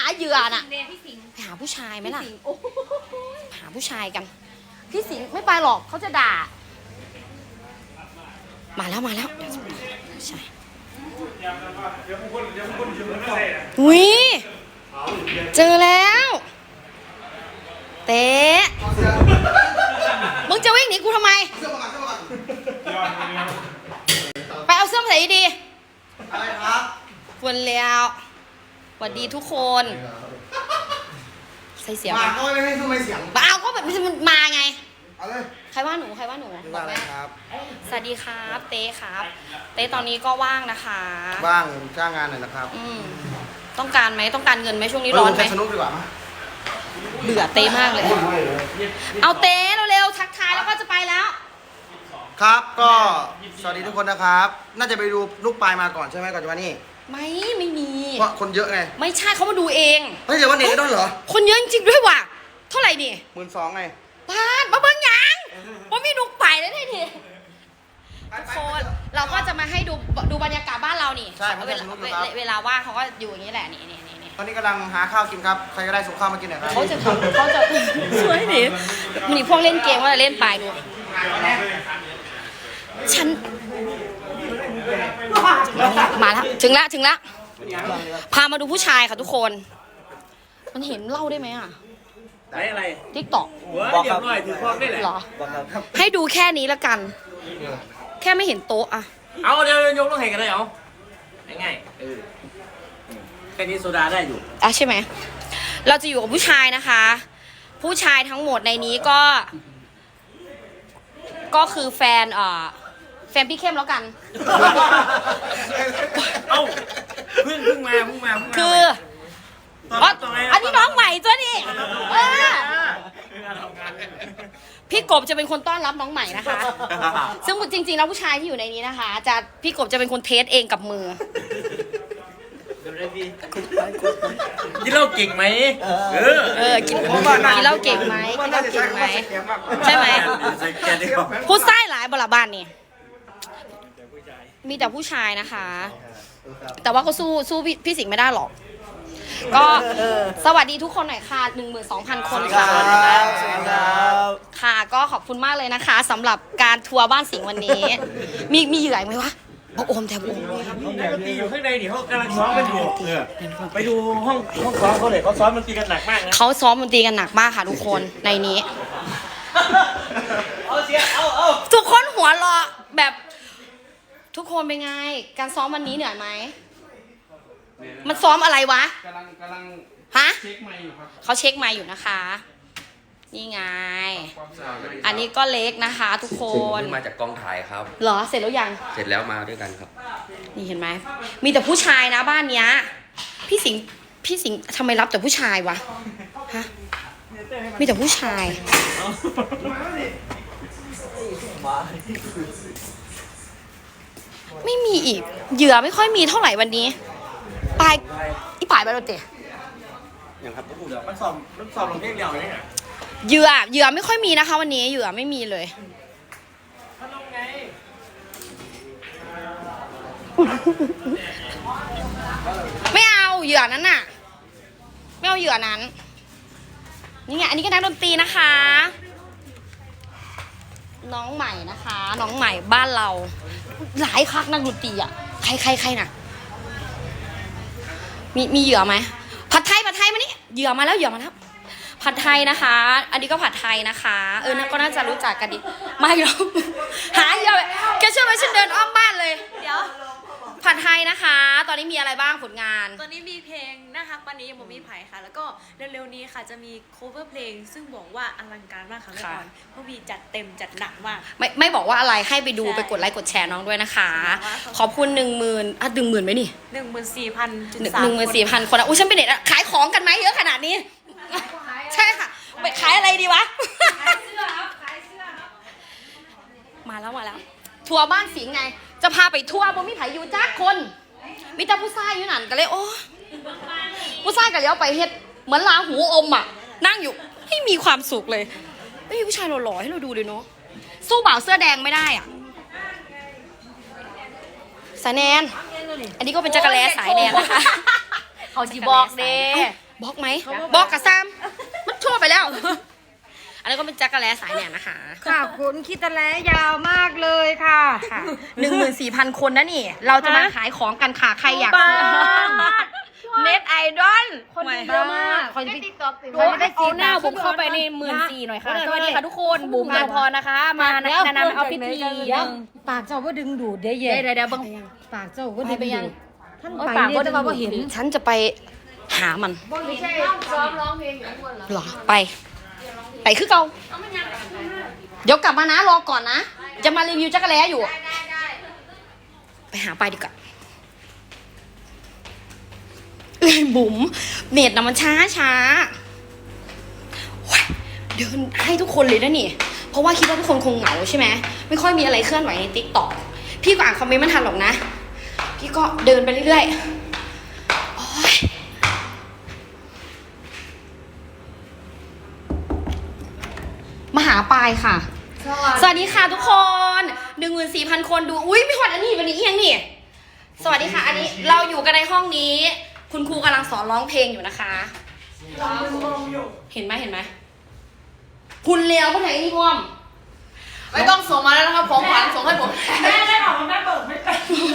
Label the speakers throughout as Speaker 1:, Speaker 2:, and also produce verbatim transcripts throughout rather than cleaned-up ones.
Speaker 1: เหยื่อน่ะ
Speaker 2: พี่สิงห์
Speaker 1: ไปหาผู้ชายไหมล่ะหาผู้ชายกันพี่สิงห์ไม่ไปหรอกเขาจะด่ามาแล้วมาแล้วใช่อุ้ยเจอแล้วเต๊ะมึงจะวิ่งหนีกูทำไมไปเอาเสื้อมาใส่ดีๆอะไรครับควรแล้วสวัสดีทุกคนใส่เสียงมาก็ไม่ให้ทำไมเสียงมาเอาก็แบบมันมาไงเอาเลยใครว่าหนูใครว่าหนูบอกแม่ครับสวัสดีครับเต้ครับเต้ตอนนี้ก็ว่างนะคะ
Speaker 3: ว่างจ้างงานหน่อยนะครับ
Speaker 1: อืมต้องการไหมต้องการเงินไหมช่วงนี้ร้อนไหม
Speaker 3: สนุกดีกว่า
Speaker 1: เบื่อเต้มากเลยเอาเต้เร็วๆทักทายแล้วก็จะไปแล้ว
Speaker 3: ครับก็สวัสดีทุกคนนะครับน่าจะไปดูลูกปลายมาก่อนใช่ไหมก่อนจะมานี่
Speaker 1: ไม่ไม่มี
Speaker 3: เพราะคนเยอะไง
Speaker 1: ไม่ใช่เขามาดูเอง
Speaker 3: เฮ้ยเดี๋ยววันเด็กก็ต้องเหรอ
Speaker 1: คนเยอะจริงๆด้วยว่ะเท่าไหร่นี่
Speaker 3: หมื่นสองไง
Speaker 1: บ้านมาเบิ้งยังว่ามีลูกไปแล้วนี่ทีทุกคนเราก็จะมาให้ดูดูบรรยากาศบ้านเรานี่
Speaker 3: ใช่เวลา
Speaker 1: เวลาว่างเขาก็อยู่อย่างนี้แหละนี่นี่นี่
Speaker 3: ตอนนี้กำลังหาข้าวกินครับใครก็ได้ส่งข้าวมากินหน่อยครับ
Speaker 1: เขาจะเขาจะช่วยหนิมันนี่พวกเล่นเกมว่าจะเล่นไปดูฉันมาแล้วถึงแล้วถึงแล้วพามาดูผู้ชายค่ะทุกคนมันเห็นเล่าได้ไหมอ่ะ
Speaker 4: ได้อะไร
Speaker 1: ทิกตอก
Speaker 4: บอกครับหน่อยถือพร้อมได้แหละ
Speaker 1: หรอให้ดูแค่นี้ละกันแค่ไม่เห็นโต๊ะอ่ะ
Speaker 4: เอาเดี๋ยวยกต้องเห็นกันเลยเอาง่ายๆเออแค่นี้โซดาได้อยู่
Speaker 1: อ่ะใช่ไหมเราจะอยู่กับผู้ชายนะคะผู้ชายทั้งหมดในนี้ก็ก็คือแฟนเอ่อแฟนพี่เข้มแล้วกัน
Speaker 4: เอ้าเพิ่งเพิ่งมาเพิ่งมาเพิ่งมา
Speaker 1: คืออ๋ออันนี้น้องใหม่ตัวนี้เออพี่กบจะเป็นคนต้อนรับน้องใหม่นะคะซึ่งจริงๆแล้วผู้ชายที่อยู่ในนี้นะคะจะพี่กบจะเป็นคนเทสเองกับมือ
Speaker 4: กินเหล้าเก่งไหมเออ
Speaker 1: เออกินกินเหล้าเก่งไหมกินเหล้าเก่งไหมใช่ไหมพูดไส้หลายบลาบ้านนี่มีแต่ผู้ชายนะคะ แต่ว่าก็สู้สู้พี่สิงห์ไม่ได้หรอกก็สวัสดีทุกคนหน่อยค่ะ หนึ่งหมื่นสองพัน คนค่ะค่ะก็ขอบคุณมากเลยนะคะสำหรับการทัวร์บ้านสิงห์วันนี้มีมีเหยื่อไหมวะโอมแทบโอม
Speaker 4: นักดนตรีอยู่ข้างในนี่เขากำลังซ้อมกันอยู่ไปดูห้องห้องซ้อมเขาเลยเขาซ้อมดนตรีกันหนักมากนะ
Speaker 1: เขาซ้อมดนตรีกันหนักมากค่ะทุกคนในนี้ทุกคนหัวเราะแบบทุกคนเป็นไงการซ้อมวันนี้เหนื่อยไหมมันซ้อมอะไรวะ
Speaker 3: กำลังกำลัง
Speaker 1: ฮะ
Speaker 3: เช็คไมค์อยู่ครับ
Speaker 1: เขาเช็คไมค์อยู่นะคะนี่ไงอันนี้ก็เล็กนะคะทุกคน
Speaker 5: มาจากกองถ่ายครับ
Speaker 1: เหรอเสร็จแล้วยัง
Speaker 5: เสร็จแล้วมาด้วยกันครับ
Speaker 1: นี่เห็นไหมมีแต่ผู้ชายนะบ้านเนี้ยพี่สิงห์พี่สิงห์ทำไมรับแต่ผู้ชายวะฮะมีแต่ผู้ชายไม่มีอีกเหยื่อไม่ค่อยมีเท่าไหร่วันนี้ปลายอีปลายไปแล้วเตะ
Speaker 4: อย่างครับผู้เดี๋ยวมันสอบมันสอบลงเพียงเดียวเลยเนี่ย
Speaker 1: เหยื่อเหยื่อไม่ค่อยมีนะคะวันนี้เหยื่อไม่มีเลยไม่เอาเหยื่อนั้นน่ะไม่เอาเหยื่อนั้นนี่ไงอันนี้ก็นักดนตรีนะคะน้องใหม่นะคะน้องใหม่บ้านเราหลายคักนักดนตรีอ่ะใครใครใครน่ะมีมีเหยื่อไหมผัดไทยผัดไทยมานี่เหยื่อมาแล้วเหยื่อมาแล้วผัดไทยนะคะอันนี้ก็ผัดไทยนะคะเออก็น่าจะรู้จักกันดีไม่หรอกหาเหยื่อแกเชื่อไหมฉันเดินอ้อมบ้านเลยเดี๋ยวผัดไทยนะคะตอนนี้มีอะไรบ้างผลงาน
Speaker 2: ตอนนี้มีเพลงนะคะวันนี้ยังบ่มีไผ่ค่ะแล้วก็เร็วๆนี้ค่ะจะมี cover เพลงซึ่งบอกว่าอลังการมากค่ะแม่ก่อนเพราะวีจัดเต็มจัดหนักมาก
Speaker 1: ไม่ไม่บอกว่าอะไรให้ไปดูไปกดไลค์กดแชร์น้องด้วยนะคะขอบคุณหนึ่งหมื่นอ่ะหนึ่งหมื่นไหมนี่
Speaker 2: หนึ่งหมื่นสี่พัน
Speaker 1: หนึ่งหมื่นสี่พันคนอ่ะอุ้ยฉันเป็นเด็กขายของกันไหมเยอะขนาดนี้ใช่ค่ะไปขายอะไรดีวะขายเสื้อครับขายเสื้อครับมาแล้วมาแล้วทัวร์บ้านสิงห์ไงจะพาไปทัวร์บ่มีไผอยู่จ้าคนมีแต่ผู้ชายอยู่นั่นก็เลยโอ้ผู้ชายก็เลี้ยวไปเฮ็ดเหมือนลาหูอมอ่ะนั่งอยู่ให้มีความสุขเลยไม่มีผู้ชายหล่อๆให้เราดูเลยเนาะสู้บ่าวเสื้อแดงไม่ได้อ่ะสายแนนอันนี้ก็เป็นจักรแลสายแนนนะคะ
Speaker 2: เขาจีบอกเด้
Speaker 1: บล็อกไหมบล็อกกับซ้ำมันชั่วไปแล้ว อันนี้ก็เป็นจักรแล้สายแหนนะคะ
Speaker 6: ขอบคุณคิดตะแลยาวมากเลยค่ะ
Speaker 1: ค่ะหนึ่งหมื่นสี่พันคนนะนี่ เราจะมาขายของกันค่ะ ใครอยากซื้อเน็ตไอดอล
Speaker 6: คนดูเยอะมากคนได้ติ๊กต็อกคนได้
Speaker 1: เอาหน้าบุ๋มเข้าไปในหมื่นสี่หน่อยค่ะ สวัสดีค่ะทุกคนบุ๋มเจพรนะคะ มาแนะนำเอาพิธี
Speaker 6: ปากเจ้าว่าดึงดูดได้เย็
Speaker 1: เดี๋ยวเดี๋ยวเบัง
Speaker 6: ปากเจ้าว่าดึง
Speaker 1: ไปยัง
Speaker 6: ดูดท่าน
Speaker 1: โอ๊ย
Speaker 6: ไป
Speaker 1: ปาก
Speaker 6: เนี่ย
Speaker 1: ก็
Speaker 6: แต่ว่าบ่เห็น
Speaker 1: ฉันจะไปหามัน
Speaker 6: ไม่ใช่ซ้อมร้องเพลงอยู่ข้างบนเหรอ
Speaker 1: หรอไป ไปคือเก่าเดี๋ยวกลับมานะรอก่อนนะ จะมารีวิวจักรแล้อยู่ ไปหาไปดีกว่าเอ้ยบุ๋มเน็ตนะมันช้าช้าโอ๊ยเดินให้ทุกคนเลยนะนี่ เพราะว่าคิดว่าทุกคนคงเหงาใช่ไหมไม่ค่อยมีอะไรเคลื่อนไหวในติ๊กต็อกพี่ก็อ่านคอมเมนต์ไม่ทันหรอกนะ พี่ก็เดินไปเรื่อยๆโอ๊ยมาหาปายค่ะ สวัสดีค่ะทุกคนหนึ่งหมื่นสี่พันคนดู อุ้ยไม่หอดอันนี้วันนี้เอียงนี่ สวัสดีค่ะ อันนี้เราอยู่กันในห้องนี้ คุณครูกำลังสอนร้องเพลงอยู่นะคะ เห็นไหมเห็นไหมคุณเลี้ยวก็ไหนนี่พ่อม
Speaker 7: ไม่ต้องส่งมาแล้วนะครับของขวัญส่งให้ผม
Speaker 4: แม่ได้บอกว่าแม่เบิกไม่เป็น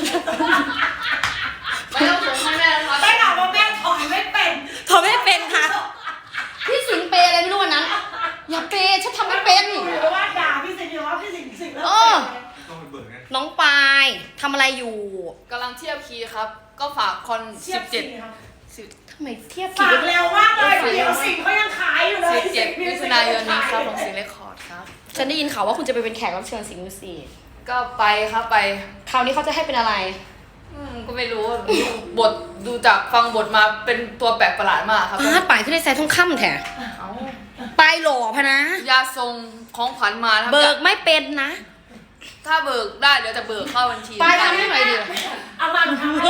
Speaker 7: ไม่ต้องส่งให้แม่แล้วครับ
Speaker 4: ได้บอกว่าแม่ถอยไม่เป็น
Speaker 1: เขาไม่เป็นค่ะ พี่สิงเปย์อะไรไม่รู้วันนั้น อย่าเปย์ฉันทำไม่เป็น
Speaker 4: เพราะว่าด่าพี่สิงห์ว่าพี่สิงห์สิงห์
Speaker 1: เออ น้องปายทำอะไรอยู่
Speaker 7: กำลังเทียบคีย์ครับ ก็ฝากคอน
Speaker 4: เทีย
Speaker 7: สิ
Speaker 4: บบ
Speaker 7: เจ็ด
Speaker 1: ทำไมเทียบ
Speaker 4: ฝากเร็วมากเลยเดี๋ยวสิงห์เขายังขายอยู่เลย
Speaker 7: สิบเจ็ดมิถุนายนนี้ครับของสิงห์เรคคอร์ดครับ
Speaker 1: ฉันได้ยินข่าวว่าคุณจะไปเป็นแขกรับเชิญสิงห์มิวสิก
Speaker 7: ก็ไปครับไป
Speaker 1: คราวนี้เขาจะให้เป็นอะไร
Speaker 7: อืมก็ไม่รู้ดูบทดูจากฟังบทมาเป็นตัวแปลกประหลาดมากครับ
Speaker 1: พาดปายขึ้นได้ใส่ทองคำแท้
Speaker 7: เอ้า
Speaker 1: ปายหล่อพะนะ
Speaker 7: ยาทรงของขวัญมาครับ
Speaker 1: เบิกไม่เป็นนะ
Speaker 7: ถ้าเบิกได้เดี๋ยวจะเบิกเข้าบัญชี
Speaker 1: ปายทำให้หน่อยดิ
Speaker 4: เอามาทำ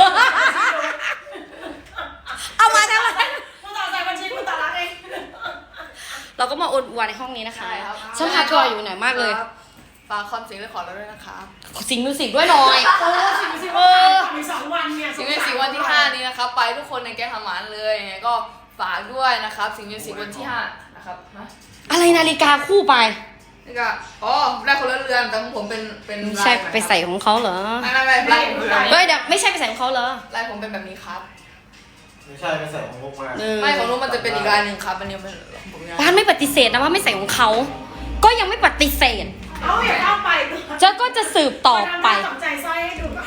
Speaker 1: เอามาทำอะไร
Speaker 4: คุณต่อใส่บัญชีคุณต่อรักเอง
Speaker 1: เราก็มาอวดอวดในห้องนี้นะคะ
Speaker 7: ใช่ครับ
Speaker 1: ฉันพาทัวร์อยู่ไหนมากเลย
Speaker 7: ครับฝากคอนสิงห์เรคคอร์ดเราด้วยนะครับ
Speaker 1: สิงห์มิวสิกด้วยหน่อย
Speaker 4: โอ้สิงห์สิงห์ว่ามีสองวันเนี่ย
Speaker 7: สิงห์มิวสิกวันที่ห้านี้นะครับ ไปทุกคนในแก๊งทำหมันเลยยังไงก็ฝากด้วยนะครับ สิงห์มิวสิกวันที่ห้านะครับฮะ
Speaker 1: อะไรนาฬิกาคู่ไป
Speaker 7: นี่ก็อ๋อได้คนละเรือนแต่ของผมเป็นเป็น
Speaker 1: ไม่
Speaker 7: ลาย
Speaker 1: ใช่
Speaker 7: หม่
Speaker 1: ไปใส่ของเขาเหรอ
Speaker 7: ไม่ไม่ไม่ลายผมเป็นแบบ
Speaker 1: เฮ้
Speaker 7: นี้
Speaker 1: ยเดี๋ยวไม่ใช่ไปใส่ของเขาเหรอ
Speaker 7: ลายผมเป็นแบบนี้ครับ
Speaker 3: ไม่ใช่ไม่ใส่ของพวกมา
Speaker 1: เออ
Speaker 7: ไม่ของนู้นมันจะเป็นอีกลายหนึ่งครับอันนี้เป็นของผมนะ
Speaker 1: บ้านไม่ปฏิเสธนะว่าไม่ใส่ของเขา ก็ยังไม่ปฏิเสธ
Speaker 4: เอาอย่าเข้าไป
Speaker 1: เจ้าก็จะสืบต่อไป
Speaker 4: มาทำหน้าตกใจสร้อยให้ดูก่อน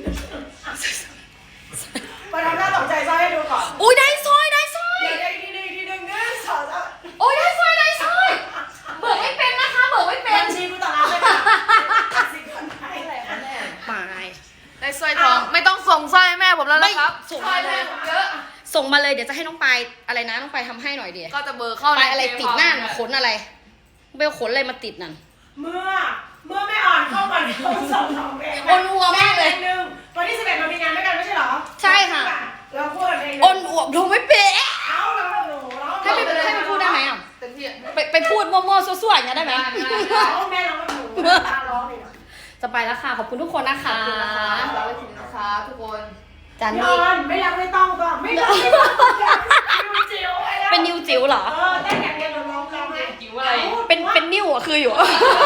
Speaker 4: มาทำหน้าตกใจสร้อยให้ดูก่อน
Speaker 1: อุ้ยได้สร้อยได้สร้อย
Speaker 4: เดี๋ยวได้ทีหนึงทีหนึงนะสอนแล้ว
Speaker 1: โอ้ยได้สร้อยได้สร้อย เบิกไม่เป็นนะคะ เบิกไม่เป็
Speaker 4: บั
Speaker 1: น
Speaker 4: ญชีคุณต่อรักเลยค่ะสิงคนไทย
Speaker 1: ไป
Speaker 7: ได้สร้อยทองไม่ต้องส่งสร้อยให้แม่ผมแล้วนะครับ
Speaker 1: ไม่ส่ง
Speaker 7: สร้อย
Speaker 1: มาเลย
Speaker 7: แม่ผมเยอะ
Speaker 1: ส่งมาเลยเดี๋ยวจะให้น้องปายอะไรนะน้องปายทำให้หน่อยเดียว
Speaker 7: ก็จะเบิกเข้า
Speaker 1: ปายอะไร
Speaker 7: เกม
Speaker 1: ติดหน้า
Speaker 7: เอ
Speaker 1: ขนอะไรเบลขนอะไรมาติดนั่น
Speaker 4: เมื่อเมื่อไม่อ่อนเข้ามาเขาส่งทองเอง
Speaker 1: โอนอัวมากเลย
Speaker 4: แหนึ่งวันที่สิบเอ็ดเรามีงานด้วยกันไม่ใช่เหรอ
Speaker 1: ใช่ค่ะ
Speaker 4: เราพูดเอง
Speaker 1: อ้นอวบดูไม่เป๊ะ
Speaker 4: เอาเราหนูเรา
Speaker 1: ให้ไปให้ไปพูดได้ไหมอ่ะ
Speaker 7: เต็มที่
Speaker 1: ไปไปพูดมั่วๆซั่วๆอย่างนี้ยได้ไหม
Speaker 4: เอาแม่เราหนูตาร้องเลยนะ
Speaker 1: จะไปแล้วค่ะ ขอบคุณทุกคนนะคะ
Speaker 7: เราไปถึงนะคะทุกคน
Speaker 1: จาน
Speaker 4: น
Speaker 1: นี้
Speaker 4: อนไม่รักไม่ต้องก็ไม่รักไม่ต้องนิวจิ๋วไอ้แล้ว
Speaker 1: เป็นนิวจิ๋วเหรอ
Speaker 4: เออเต้นอย่างเดียวเราร้องร้องไง
Speaker 7: จิ๋วอะไร
Speaker 1: เป็นเป็นนิวอ่ะคืออยู่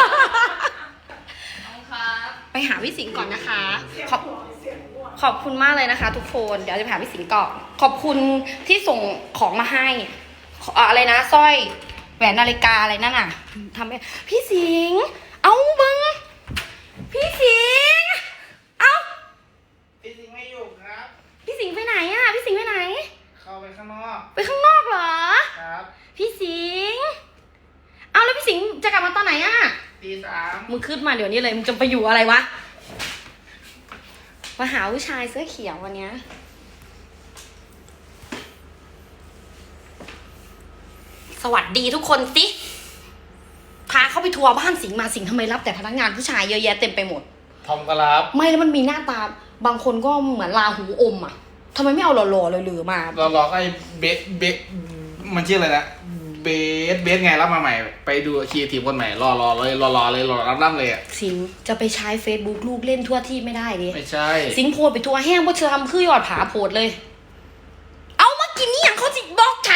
Speaker 7: น้องครับ
Speaker 1: ไปหาพี่สิงห์ก่อนนะคะ ขอบขอบคุณมากเลยนะคะ ทุกคน เดี๋ยวจะไปหาพี่สิงห์ก่อนขอบคุณที่ส่งของมาให้ขอเอ่ออะไรนะสร้อยแหวนนาฬิกาอะไรนั่นน่ะทำให้พี่สิงห์เอาบังพี่สิงห์เอา
Speaker 3: พี่สิงไม่อยู่ครับ
Speaker 1: พี่สิงห์ไปไหนอ่ะพี่สิงห์ไปไหน
Speaker 3: เข้าไปข้างนอก
Speaker 1: ไปข้างนอกเหรอ
Speaker 3: ครับ
Speaker 1: พี่สิงห์เอาแล้วพี่สิงห์จะกลับมาตอนไหนอ่ะ
Speaker 3: ตีสาม
Speaker 1: มึงขึ้นมาเดี๋ยวนี้เลย มึงจะไปอยู่อะไรวะ มาหาผู้ชายเสื้อเขียววันเนี้ยสวัสดีทุกคนสิ พาเขาไปทัวร์บ้านสิงห์มาสิงห์ทำไมรับแต่พนักงานผู้ชายเยอะแยะเต็มไปหมด
Speaker 3: ทอมก็รับ
Speaker 1: ไม่แล้วมันมีหน้าตา บางคนก็เหมือนลาหูอมอ่ะทำไมไม่เอาหล่อๆเลยหรือมา
Speaker 8: เราลองไอ้เบสเบสมันชื่ออะไรนะเบสเบสไงรับมาใหม่ ไปดูคีทีมคนใหม่รอรอเลยรอรอเลยรอรับรับเลยอ่ะ
Speaker 1: สิงห์จะไปใช้ Facebook ลูกเล่นทั่วที่ไม่ได้ดิ
Speaker 8: ไม่ใช่
Speaker 1: สิงห์โพดไปทัวร์แห้งเพราะเธอทำคือยอดผาโพดเลย เอามากินนี่อย่างเขาจิบล็อกฉัน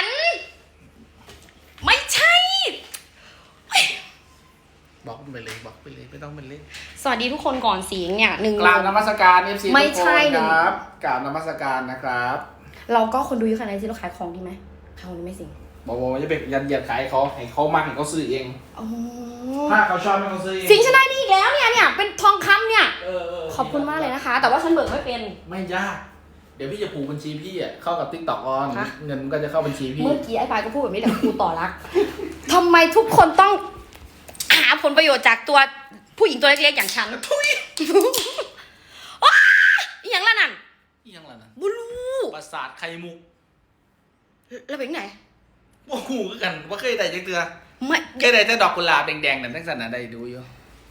Speaker 8: ไปเลยไม่ต้องเป็นเล่น
Speaker 1: สวัสดีทุกคนก่อนสิงเนี่ยหนึ่ง
Speaker 8: กราบนมัสการ เอฟ ซี
Speaker 1: ไม่
Speaker 8: ทุก
Speaker 1: ใช่
Speaker 8: คน
Speaker 1: หนึ่ง
Speaker 8: ครับกราบนมัสการนะครับ
Speaker 1: เราก็คนดูเยอะขนาดนี้สิเราขายของดีไหมขายของดีไหมสิง
Speaker 8: บอกว่าจะไปยันเหยียดขายเขาให้เขามากให้เขาซื้อเอง
Speaker 1: อ๋อ
Speaker 8: ถ้าเขาชอบให้เขาซื้อเอง
Speaker 1: สิงฉันได้นี่อีกแล้วเนี่ยเนี่ยเป็นทองคำเนี่ย
Speaker 8: เออเ
Speaker 1: ขอบคุณมากเลยนะคะ แต่ว่าฉันเบิกไม่เป็น
Speaker 8: ไม่ยาก เดี๋ยวพี่จะผูกบัญชีพี่อ่ะเข้ากับติ๊กต็อกออน
Speaker 1: ฮะ
Speaker 8: เงินมันก็จะเข้าบัญชีพี่
Speaker 1: เมื่อกี้ไอ้ปายก็พูดแบบนี้แต่ครูต่อรักทำไมทุกคนต้องหาผลประโยชน์จากตัวผู้หญิงตัวเล็กๆอย่างฉันทุยว้าอหย่างละนั่น
Speaker 8: อีหยังล่ะนะ
Speaker 1: บุรู
Speaker 8: ประสาทไข่มุก
Speaker 1: แล้วเป็นไหน
Speaker 8: โอ้โหคือกันว่าเคยได้จักเตือ
Speaker 1: ไม่
Speaker 8: เคยได้แต่ดอกกุหลาบแดงๆนั่นทั้งสันนะได้ดูอยู่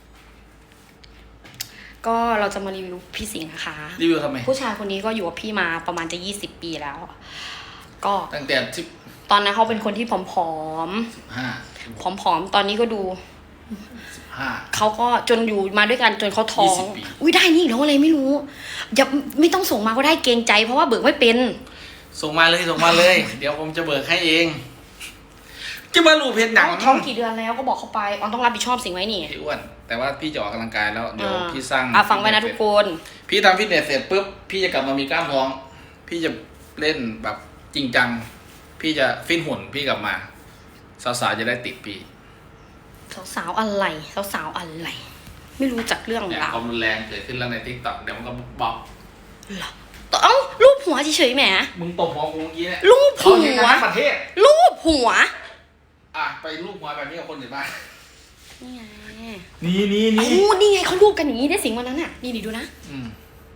Speaker 1: ก็เราจะมารีวิวพี่สิงห์นะคะ
Speaker 8: รีวิวทำไม
Speaker 1: ผู้ชายคนนี้ก็อยู่กับพี่มาประมาณจะยี่สิบปีแล้ว ก็
Speaker 8: ตั้งแต่สิบ
Speaker 1: ตอนนั้นเขาเป็นคนที่ผอม
Speaker 8: ห้า
Speaker 1: ๆผอมๆตอนนี้ก็ดู
Speaker 8: สิบห้า
Speaker 1: เขาก็จนอยู่มาด้วยกันจนเขาท้อง
Speaker 8: ยี่สิบปี
Speaker 1: อุ้ยได้นี่อีกแล้วอะไรไม่รู้อย่าไม่ต้องส่งมาก็ได้เกรงใจ เพราะว่าเบิกไม่เป็น
Speaker 8: ส่งมาเลยส่งมาเลย เดี๋ยวผมจะเบิกให้เองจะมาลูกเพชรหนัง
Speaker 1: เอ้าท้องกี่เดือนแล้วก็บอกเขาไปออนต้องรับผิดชอบสิ่งไว้นี่
Speaker 8: พี่อ้วนแต่ว่าพี่จะออกกำลังกายแล้วเดี๋ยว
Speaker 1: อ่า
Speaker 8: พี่สร้าง
Speaker 1: อ่ะฟังไว้นะทุกคน
Speaker 8: พี่ทำฟิตเนสเสร็จปุ๊บพี่จะกลับมามีกล้ามท้อง พี่จะเล่นแบบจริงจังพี่จะฟิตหุ่นพี่กลับมาสาวๆจะได้ติดพี่
Speaker 1: สาวๆอะไรสาวๆอะไร ไม่รู้จักเรื่อง
Speaker 8: เนี่ย
Speaker 1: ราว
Speaker 8: ความรุนแรงเกิดขึ้นแล้วในทิกตอกเดี๋ยวมันก็บอก
Speaker 1: เอ้ารูปหัวเฉยๆแหม
Speaker 8: มึงตบหัวกูเมื่อกี้เนี่ย
Speaker 1: รูปหัว
Speaker 8: เขาเห็นกันทั้งประเทศ
Speaker 1: รูปหัว
Speaker 8: อ่ะไปรูปหัวแบบนี้กับคนอื่นบ้าง
Speaker 1: นี่ไง
Speaker 8: นี่นี่
Speaker 1: โอ้
Speaker 8: นี่
Speaker 1: นี่ไงเขารูปกันอย่างนี้ได้สิงวันนั้นน่ะนี่นี่ดูนะ
Speaker 8: อืม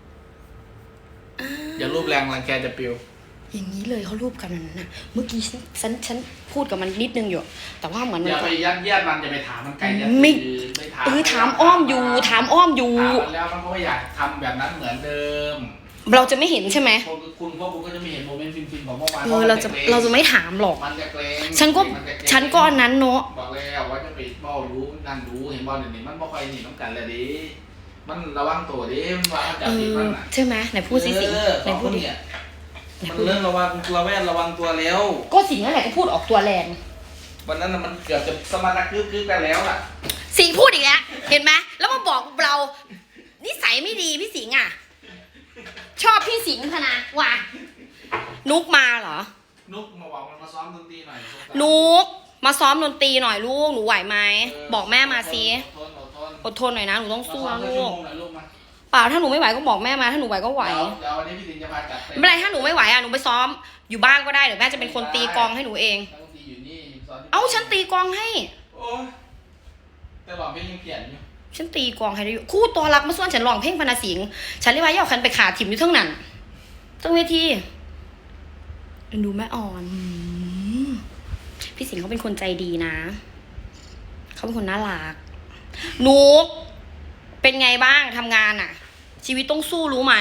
Speaker 8: อย่ารูปแรงรังแกจะปิว
Speaker 1: อย่างนี้เลยเขารูปกันวันนั้นน่ะเมื่อกี้ฉันฉันฉันพูดกับมันนิดนึงอยู่ แต่ว่าเหมือน
Speaker 8: อ
Speaker 1: มัน
Speaker 8: ย่าไปยัดเยียดมันอย่าไปถามมันไกลอย่า
Speaker 1: ไม่
Speaker 8: ไปถาม
Speaker 1: เออถามอ้อมอยู่ถามอ้อมอยู่
Speaker 8: ถามมันแล้วมันก็ไม่อยากทำแบบนั้นเหมือนเดิม
Speaker 1: เราจะไม่เห็นใช่ไหม
Speaker 8: พวกคุณพวกคุณก็จะไม่เห็นโมเมนต์ฟินๆของเมื่อวาน
Speaker 1: เออเราจะเราจะไม่ถามหรอก
Speaker 8: มันจะเกรง
Speaker 1: ฉันก็
Speaker 8: มัจะเรง
Speaker 1: ฉันก็อันนั้นเนาะ
Speaker 8: บอกแล้วว่าจะไปเบ้ารู้นั่นรู้เห็นบอลเดี๋ยวนี้มันบ่ค่อยหนีน้องกันเลยดิมันระวังตัวดิมันว่ามันจั
Speaker 1: เอบ
Speaker 8: ผิด
Speaker 1: อ
Speaker 8: มันน่ะ
Speaker 1: ใช่ไหมไหนพูดสิสิ
Speaker 8: เออ
Speaker 1: ไหน
Speaker 8: สอง
Speaker 1: พู
Speaker 8: ค
Speaker 1: ด
Speaker 8: น
Speaker 1: ดิ
Speaker 8: เนี่ย
Speaker 1: ไหน
Speaker 8: มัน
Speaker 1: พูดดิ
Speaker 8: เรื่องระวังตัวแวดระวังตัวแล้ว
Speaker 1: ก็สิงนั่นแหละก็พูดออกตัวแรง
Speaker 8: วันนั้นน่ะมันเกือบจะสมรรถคึกคึกกันแล้วล่ะ
Speaker 1: สิงพูดอีกแล้วเห็นไหมแล้วมาบอกเรานิสัยไม่ดีพี่สิงห์อ่ะ ชอบพี่สิงห์พนะว่ะนุกมาเหรอ
Speaker 8: นุกมาบอกมันมาซ้อมดนตรีหน่อย
Speaker 1: นุกมาซ้อมดนตรีหน่อยลูกหนูไหวไหมบอกแม่มาสิ
Speaker 8: อดทนอดทน
Speaker 1: อดทนหน่อยนะหนูต้องสู้นะ
Speaker 8: มา
Speaker 1: ลู
Speaker 8: ซ้อม
Speaker 1: ก
Speaker 8: สัชั่วโมงหน่อยลูกมา
Speaker 1: เปล่าถ้าหนูไม่ไหวก็บอกแม่มาถ้าหนูไหวก็ไหว
Speaker 8: เดี๋ยวเดี๋ยววันนี้พี่สิงห์จะพาจัดเต็ม
Speaker 1: ไม่เป็นไรถ้าหนูไม่ไหวอ่ะหนูไปซ้อมอยู่บ้านก็ได้เดี๋ยวแม่จะเป็นคนตีกลองให้หนูเอง
Speaker 8: นักดนตรีอยู่นี่สอนที่
Speaker 1: เอ้าฉันตีกลองให้
Speaker 8: โอ้ยแต่บอกเพลงยังเปลี่ยนอยู่
Speaker 1: ฉันตีกลองให้ได้อยู่คู่ตัวรักมาส่วนฉันร้องเพลงพนาสิงห์ฉันเรียกว่าย่อคันไปขาถิ่มอยู่เทั้งนั้นตั้งเวทีดูแม่อ่อนอืมพี่สิงห์เขาเป็นคนใจดีนะเขาเป็นคนน่ารักนุกเป็นไงบ้างทำงานอ่ะ ชีวิตต้องสู้รู้ไหม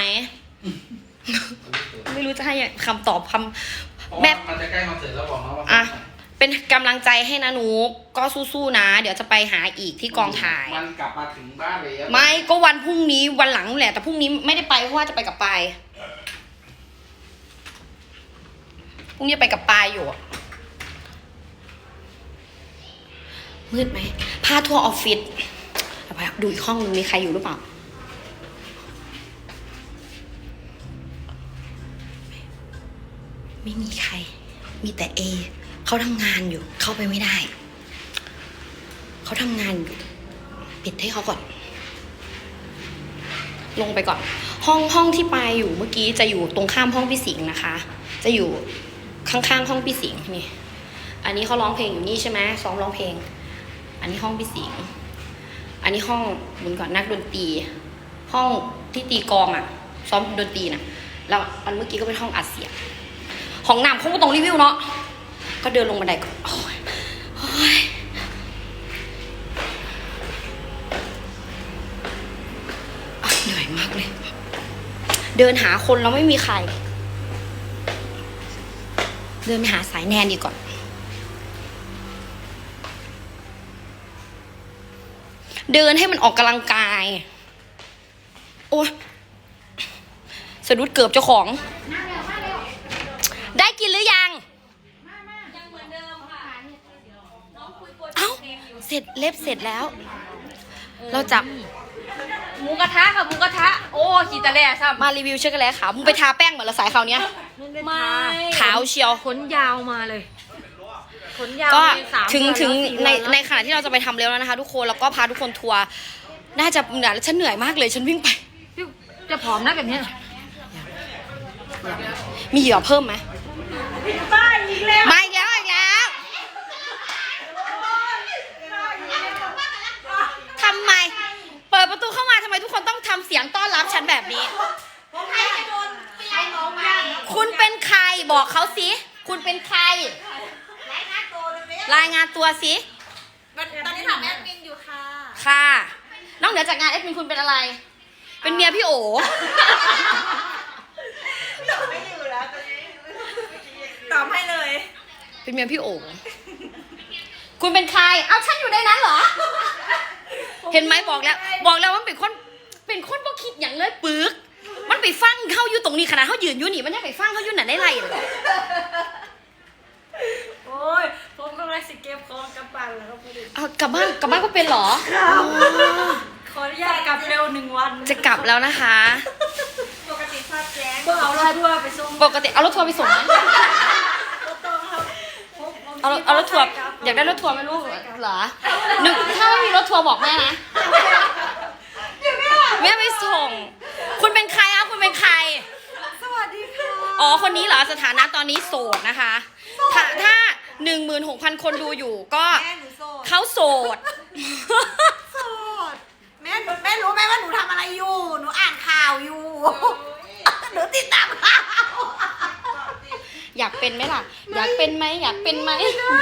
Speaker 1: ไม่รู้จะให้คำตอบคำ
Speaker 8: เพราะ
Speaker 1: แม่
Speaker 8: ว่ามันจะใกล้คอนเสิร์ตแล้วบอกน้องว่า
Speaker 1: อ่ะเป็นกำลังใจให้นะนุกก็สู้ๆนะ เดี๋ยวจะไปหาอีกที่กองถ่าย
Speaker 8: มันกลับมาถึงบ้านเลย
Speaker 1: ไม่ก็วันพรุ่งนี้วันหลังแหละ แต่พรุ่งนี้ไม่ได้ไปเพราะว่าจะไปกับปายพรุ่งนี้ไปกับปายอยู่อะมืดไหมพาทัวร์ออฟฟิศเอาไปดูอีกห้องนึงมีใครอยู่หรือเปล่าไม่มีใคร มีแต่เอเขาทำงานอยู่ เข้าไปไม่ได้เขาทำงานอยู่ปิดให้เขาก่อน ลงไปก่อน ห้องห้องที่ปายอยู่เมื่อกี้จะอยู่ตรงข้ามห้องพี่สิงห์นะคะ จะอยู่ข้างๆห้องพี่สิงห์นี่ อันนี้เขาร้องเพลงอยู่นี่ใช่ไหมซ้อมร้องเพลง อันนี้ห้องพี่สิงห์อันนี้ห้องเหมือนก่อนนักดนตรี ห้องที่ตีกลองอ่ะ ซ้อมดนตรีน่ะ แล้วอันเมื่อกี้ก็เป็นห้องอัดเสียงของน้ำคงไม่ต้องรีวิวเนาะก็เดินลงบันไดก่อนโอ้ยโอ้ยเหนื่อยมากเลย เดินหาคนแล้วไม่มีใคร เดินไปหาสายแนนดีก่อน เดินให้มันออกกำลังกาย โอ้ยสะดุดเกือบเจ้าของ ได้กินหรือยัง
Speaker 2: ยังเหมือนเดิมค่ะน้องคุยโปรเจก
Speaker 1: เอ้า
Speaker 2: ต์เพลงอยู่
Speaker 1: เสร็จเล็บเสร็จแล้วเราจับ
Speaker 2: หมูกระทะค่ะหมูกระทะโอ้ขีตะแล่ซ้ำ
Speaker 1: มารีวิวช็อกโกแลตขาวมึงไปทาแป้งเหมือนละสายขาวเนี้ย
Speaker 2: ไม่
Speaker 1: ขาวเชียว
Speaker 6: ขนยาวมาเลยขนยาว
Speaker 1: ก็
Speaker 6: มีสาม
Speaker 1: ถึง
Speaker 6: เดือน
Speaker 1: ถึง
Speaker 6: แล้วสี่
Speaker 1: ใน
Speaker 6: วัน
Speaker 1: ใน
Speaker 6: แล้ว
Speaker 1: ขณะที่เราจะไปทำเร็วแล้วนะคะ ทุกคนแล้วก็พาทุกคนทัวร์น่าจะเหนื่อยฉันเหนื่อยมากเลยฉันวิ่งไป
Speaker 6: จะผอมนะแบบเนี้ย
Speaker 1: มีเหยื่อเพิ่มไหมมาอีกแล้วมาอีกแล้วอีกแล้วทำไมเปิดประตูเข้ามาทำไมทุกคนต้องทำเสียงต้อนรับฉันแบบนี้คุณเป็นใครบอกเขาสิคุณเป็นใครรายงานตัวสิ
Speaker 2: ตอนนี้ถามแอดมินอยู่ค่ะ
Speaker 1: ค่ะนอกเหนือจากงานเอ็ดมินคุณเป็นอะไร เป็นเมียพี่โอ
Speaker 2: ตอบให้เลย
Speaker 1: เป็นเมียพี่โอคุณเป็นใครเอาฉันอยู่ในนั้นเหรอ เห็นไหมบอกแล้ว บอกแล้วว่ามันเป็นคนเป็นคนบ่คิดอย่างเลยปึกมันไปฟังเข้าอยู่ตรงนี้ขนาดเขายืนอยู่นี่มันยังไปฟังเขาอยู่ไหนได้ไรเลย
Speaker 2: โอ้ยผมกำลังสิเก็บของกลับบ้านแล้วครับ
Speaker 1: เอากลับบ้านกลับบ้านก็เป็นเหรอ
Speaker 2: ขออนุญาตกลับเร็วหนึ่งวัน
Speaker 1: จะกลับแล้วนะคะ
Speaker 2: ปกติภาพแจ้งก็เอารถทัวร์ไปส่ง
Speaker 1: ปกติเอารถทัวร์ไปส่งไหมเอารถเอารถทัวร์อยากได้รถทัวร์ไหมลูกเหรอหนึ่งถ้าไม่มีรถทัวร์บอกแม่นะแม่ไปส่ง คุณเป็นใครคะคุณเป็นใคร
Speaker 2: สวัสดีค่ะ
Speaker 1: อ๋อคนนี้เหรอสถานะตอนนี้โสดนะคะ ถ้าถ้าหนึ่งหมื่นหกพันคนดูอยู่ก็
Speaker 2: แม่หนูโสด
Speaker 1: เขาโสด
Speaker 2: โสดแม่แม่รู้ไหมว่าหนูทำอะไรอยู่ หนูอ่านข่าวอยู่ หนูติดตามข่าว
Speaker 1: อยากเป็นไหมล่ะ อยากเป็นไหมอยากเป็นไหม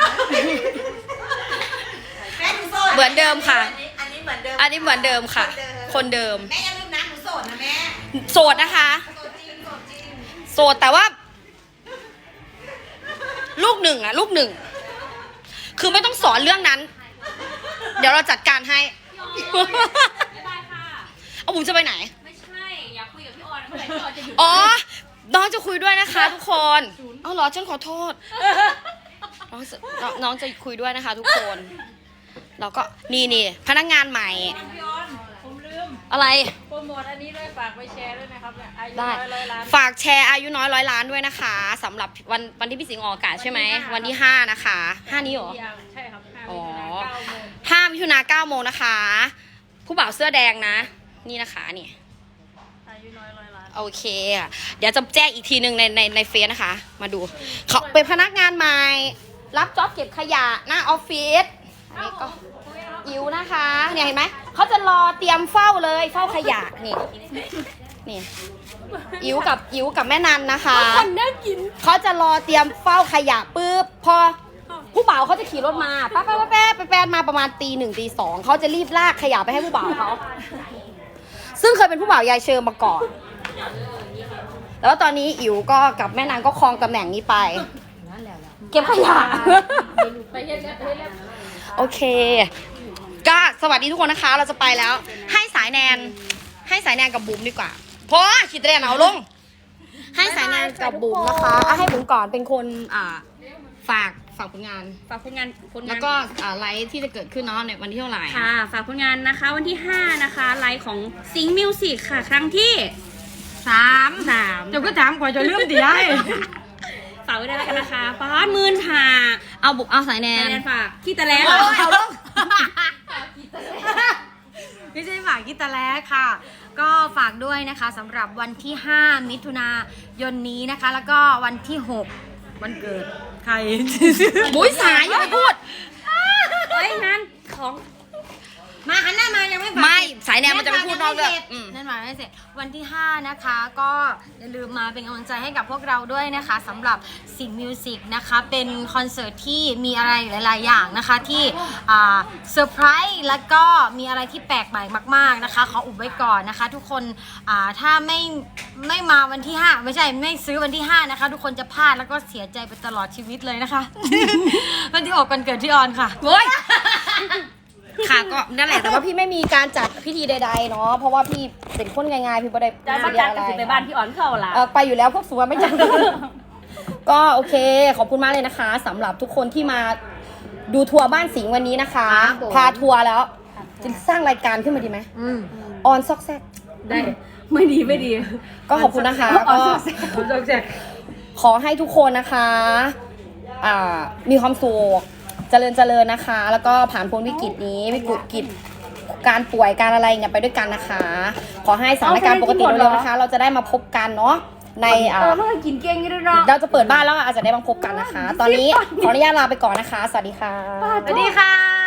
Speaker 2: แม่หนูโสด
Speaker 1: เหมือนเดิมค่ะ
Speaker 2: อันนี้เหมือนเดิม
Speaker 1: อันนี้เหมือนเดิมค่ะ คนเดิม
Speaker 2: แม่อย่าลืมนะหนูโสดนะแม่
Speaker 1: โสดนะคะ
Speaker 2: โสดจริงโสดจริง
Speaker 1: โสดแต่ว่า ลูกหนึ่งอะลูกหนึ่งคือไม่ต้องสอนเรื่องนั้น เดี๋ยวเราจัดการให้ เอาบุ๋มจะไปไหน
Speaker 2: ไม่ใช่ อยากคุยกับพี่ออนเมื่อไหร่พี่ออนจะหยุด
Speaker 1: อ๋อ น้องจะคุยด้วยนะคะ ทุกคน เอาเหรอฉันขอโทษ น้องจะน้องน้องจะคุยด้วยนะคะ ทุกคน เราก็นี่นี่พนักงานใหม่
Speaker 2: พี่ออน ผมลืม
Speaker 1: อะไร
Speaker 2: โปรโมทอันนี้ด้วยฝากไปแชร์ด้วยนะครับเนี่ยอายุ
Speaker 1: ได้
Speaker 2: ร้อยร้อยล้าน
Speaker 1: ฝากแชร์อายุน้อยร้อยล้านด้วยนะคะสำหรับวันวันที่พี่สิงห์ออกอากาศใช่ไหม วันที่ห้านะคะห้านี้เหรอ
Speaker 2: ใช่ครับห้า
Speaker 1: อ๋อ
Speaker 2: มิถุนาเก้าโมง
Speaker 1: ห้ามิถุนาเก้าโมงนะคะ ผู้บ่าวเสื้อแดงนะ นี่นะคะนี่
Speaker 2: อายุน้อยร้อยล้าน
Speaker 1: โอเคอ่ะเดี๋ยวจะแจ้งอีกทีหนึ่งในในในเฟซนะคะ มาดูเขาเป็นพนักงานใหม่ รับจ็อบเก็บขยะหน้าออฟฟิศอันนี้ก็อิ๋วนะคะเนี่ยเห็นไหมเขาจะรอเตรียมเฝ้าเลยเฝ้าขยะนี่นี่อิ๋วกับอิ๋วกับแม่นันนะคะเขาจะรอเตรียมเฝ้าขยะปุ๊บพอผู้บ่าวเขาจะขี่รถมาป้าป้าป้าแป๊บแป๊บมาประมาณตีหนึ่งตีสองเขาจะรีบลากขยะไปให้ผู้บ่าวเขาซึ่งเคยเป็นผู้บ่าวยายเชิญมาก่อน แล้วตอนนี้อิ๋วก็กับแม่นางก็ครองตำแหน่งนี้ไป เก็บขยะ โอเค ก็สวัสดีทุกคนนะคะ เราจะไปแล้ว ให้สายแนน ให้สายแนนกับบุ๋มดีกว่าเพราะขีดเรียนเอาลง ให้สายแนนกับบุ๋มนะคะอ่ะให้บุ๋มก่อนเป็นคนอ่าฝากฝากผลงาน
Speaker 2: ฝากผลงานผลงาน
Speaker 1: แล้วก็อ่าไลฟ์ที่จะเกิดขึ้นเนาะในวันที่เท่าไหร่
Speaker 2: ค่ะ ฝากผลงานนะคะวันที่ห้านะคะไลฟ์ของซิงมิวสิกค่ะ ครั้งที่
Speaker 6: สาม
Speaker 2: สาม
Speaker 6: เดี๋ยวก็ถามกว่าจะลืมเดี๋ยว
Speaker 2: ฝากไว้ด้วยแล้วกันนะคะป้าดหมื่นค่ะ
Speaker 1: เอาบุ๋มเอาสายแน
Speaker 2: แน
Speaker 1: น
Speaker 2: นฝากที่ตะแลง
Speaker 6: เอาลงไม่ใช่ฝากกิตาแล้ค่ะ ก็ฝากด้วยนะคะสำหรับวันที่ห้ามิถุนายนนี้นะคะ แล้วก็วันที่หกวันเกิดใคร
Speaker 1: มุ้ยสายอย่าไปพูด
Speaker 2: เฮ้ยงานของ
Speaker 6: มาหันหน้ามายังไม่ฝาก
Speaker 1: ไม่สายแนนมันจะไม่พูดนอกเรื่องอืม
Speaker 6: นั่นหมายไม่เสร็จวันที่ห้านะคะก็อย่าลืมมาเป็นกำลังใจให้กับพวกเราด้วยนะคะสำหรับสิงห์มิวสิกนะคะเป็นคอนเสิร์ตที่มีอะไรหลาย ๆ อย่างนะคะที่อ่าเซอร์ไพรส์แล้วก็มีอะไรที่แปลกใหม่มาก ๆ นะคะขออุบไว้ก่อนนะคะ ทุกคนอ่าถ้าไม่ไม่มาวันที่ห้าไม่ใช่ไม่ซื้อวันที่ห้านะคะ ทุกคนจะพลาดแล้วก็เสียใจไปตลอดชีวิตเลยนะคะ วันที่หกวันเกิดที่ออนค่ะ
Speaker 1: โว้ย ค่ะก็นั่นแหละแต่ว่าพี่ไม่มีการจัดพิธีใดๆเนาะเพราะว่าพี่เป็นคนง่ายๆพี่ไม่ได้
Speaker 2: จะมาจัดกันสิไปบ้านพี่อ่อนเข้าล่ะ
Speaker 1: เออไปอยู่แล้วพวกสัวไม่จัด ก็โอเคขอบคุณมากเลยนะคะสำหรับทุกคนที่มาดูทัวร์บ้านสิงห์วันนี้นะคะ
Speaker 6: ครับผม
Speaker 1: พาทัวร์แล้วจะสร้างรายการขึ้นมาดีไหม
Speaker 6: อืม
Speaker 1: ออนซอกแซก
Speaker 6: ได้ไม่ดีไม่ดี
Speaker 1: ก็ขอบคุณนะคะ
Speaker 6: อ๋อ
Speaker 1: ก็
Speaker 6: ซอกแซก
Speaker 1: ขอให้ทุกคนนะคะอ่ามีความสุขเจริญเจริญนะคะ แล้วก็ผ่านพ้นวิกฤตนี้วิกฤตกิจการป่วยการอะไรเนี่ยไปด้วยกันนะคะ ขอให้สถานการณ์ปกติเร็วๆนะคะ เราจะได้มาพบกันเนาะในอ่า
Speaker 6: เออมันก็กินเก่งอยู่ด้วยเนาะ
Speaker 1: เราจะเปิดบ้านแล้วอาจจะได้มาพบกันนะคะ ตอนนี้ขออนุญาตลาไปก่อนนะคะ สวัสดีค่ะ
Speaker 6: สวัสดีค่ะ